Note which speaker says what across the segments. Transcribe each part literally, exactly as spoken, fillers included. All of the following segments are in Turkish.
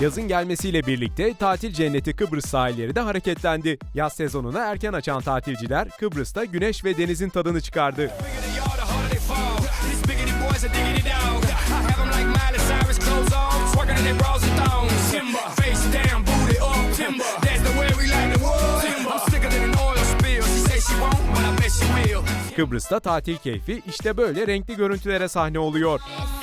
Speaker 1: Yazın gelmesiyle birlikte tatil cenneti Kıbrıs sahilleri de hareketlendi. Yaz sezonuna erken açan tatilciler Kıbrıs'ta güneş ve denizin tadını çıkardı. Kıbrıs'ta tatil keyfi işte böyle renkli görüntülere sahne oluyor.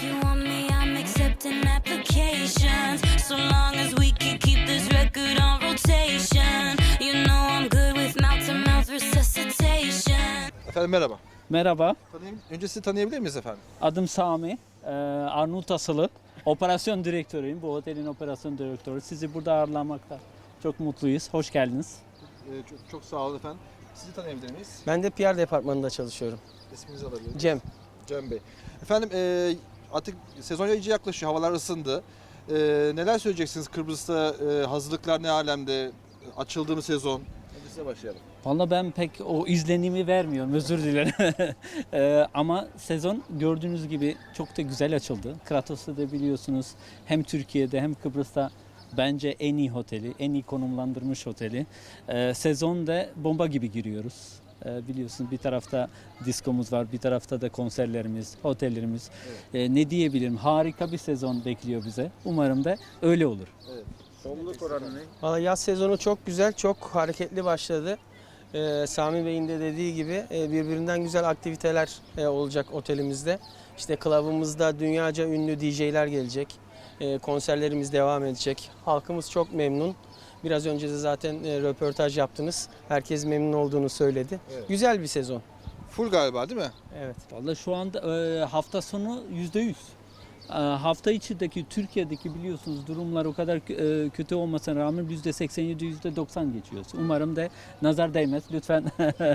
Speaker 2: Efendim merhaba.
Speaker 3: Merhaba,
Speaker 2: Tanıyayım, önce sizi tanıyabilir miyiz efendim?
Speaker 3: adım Sami. Ee, Arnavut asılı. Operasyon direktörüyüm. Bu otelin operasyon direktörü. Sizi burada ağırlamakta çok mutluyuz. Hoş geldiniz.
Speaker 2: Ee, çok, çok sağ olun efendim. Sizi tanıyabilir miyiz?
Speaker 4: Ben de P R departmanında çalışıyorum.
Speaker 2: İsminizi alabilir miyiz?
Speaker 4: Cem.
Speaker 2: Cem Bey. Efendim e, artık sezon iyice yaklaşıyor. Havalar ısındı. E, neler söyleyeceksiniz Kıbrıs'ta? E, hazırlıklar ne alemde? Açıldı mı sezon? Hadi size başlayalım.
Speaker 3: Vallahi ben pek o izlenimi vermiyorum. Özür dilerim. Ee, ama sezon gördüğünüz gibi çok da güzel açıldı. Kratos'ta da biliyorsunuz hem Türkiye'de hem Kıbrıs'ta bence en iyi oteli, en iyi konumlandırmış oteli. Ee, sezonda bomba gibi giriyoruz. Ee, biliyorsunuz bir tarafta diskomuz var, bir tarafta da konserlerimiz, otellerimiz.
Speaker 2: Evet.
Speaker 3: Ee, ne diyebilirim? Harika bir sezon bekliyor bize. Umarım da öyle olur.
Speaker 2: Evet. Doluluk oranı ne?
Speaker 4: Valla yaz sezonu çok güzel, çok hareketli başladı. Ee, Sami Bey'in de dediği gibi e, birbirinden güzel aktiviteler e, olacak otelimizde. İşte club'ımızda dünyaca ünlü D J'ler gelecek. E, konserlerimiz devam edecek. Halkımız çok memnun. Biraz önce de zaten e, röportaj yaptınız. Herkes memnun olduğunu söyledi.
Speaker 2: Evet.
Speaker 4: Güzel bir sezon.
Speaker 2: Full galiba değil mi?
Speaker 4: Evet.
Speaker 3: Vallahi şu anda e, hafta sonu yüzde yüz. E, hafta içindeki Türkiye'deki biliyorsunuz durumlar o kadar e, kötü olmasına rağmen yüzde seksen yedi yüzde doksan geçiyor. Umarım da nazar değmez. Lütfen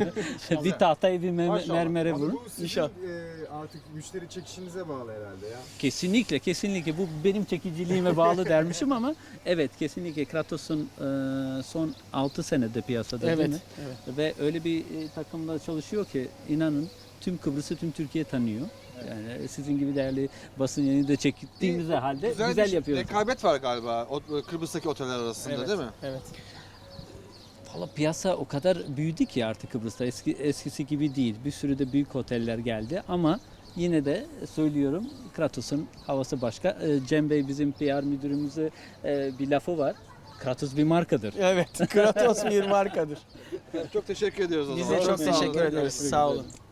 Speaker 3: bir tahtayı bir me-
Speaker 2: Maşallah.
Speaker 3: mermere
Speaker 5: Ama
Speaker 3: vurun.
Speaker 5: bu sizin
Speaker 4: İnşallah.
Speaker 5: e, artık müşteri çekişinize bağlı herhalde ya.
Speaker 3: Kesinlikle kesinlikle bu benim çekiciliğime bağlı dermişim ama evet kesinlikle Kratos'un e, son altı senede piyasada değil
Speaker 4: Evet.
Speaker 3: mi?
Speaker 4: evet.
Speaker 3: Ve öyle bir e, takımda çalışıyor ki inanın tüm Kıbrıs'ı tüm Türkiye tanıyor. Yani sizin gibi değerli basın yayını da çektiğimiz halde güzel,
Speaker 2: bir
Speaker 3: yapıyoruz.
Speaker 2: rekabet var galiba o, Kıbrıs'taki oteller arasında
Speaker 4: Evet.
Speaker 2: değil mi?
Speaker 4: Evet.
Speaker 3: Valla piyasa o kadar büyüdü ki artık Kıbrıs'ta eski, eskisi gibi değil. Bir sürü de büyük oteller geldi ama yine de söylüyorum Kratos'un havası başka. Ee, Cem Bey bizim P R müdürümüzün e, bir lafı var. Kratos bir markadır.
Speaker 4: Evet. Kratos bir markadır.
Speaker 2: Çok teşekkür ediyoruz o
Speaker 4: Biz
Speaker 2: zaman.
Speaker 4: de çok
Speaker 2: sağ olun.
Speaker 4: teşekkür ederiz.
Speaker 2: Görüşmek
Speaker 4: Sağ
Speaker 2: üzere.
Speaker 4: olun.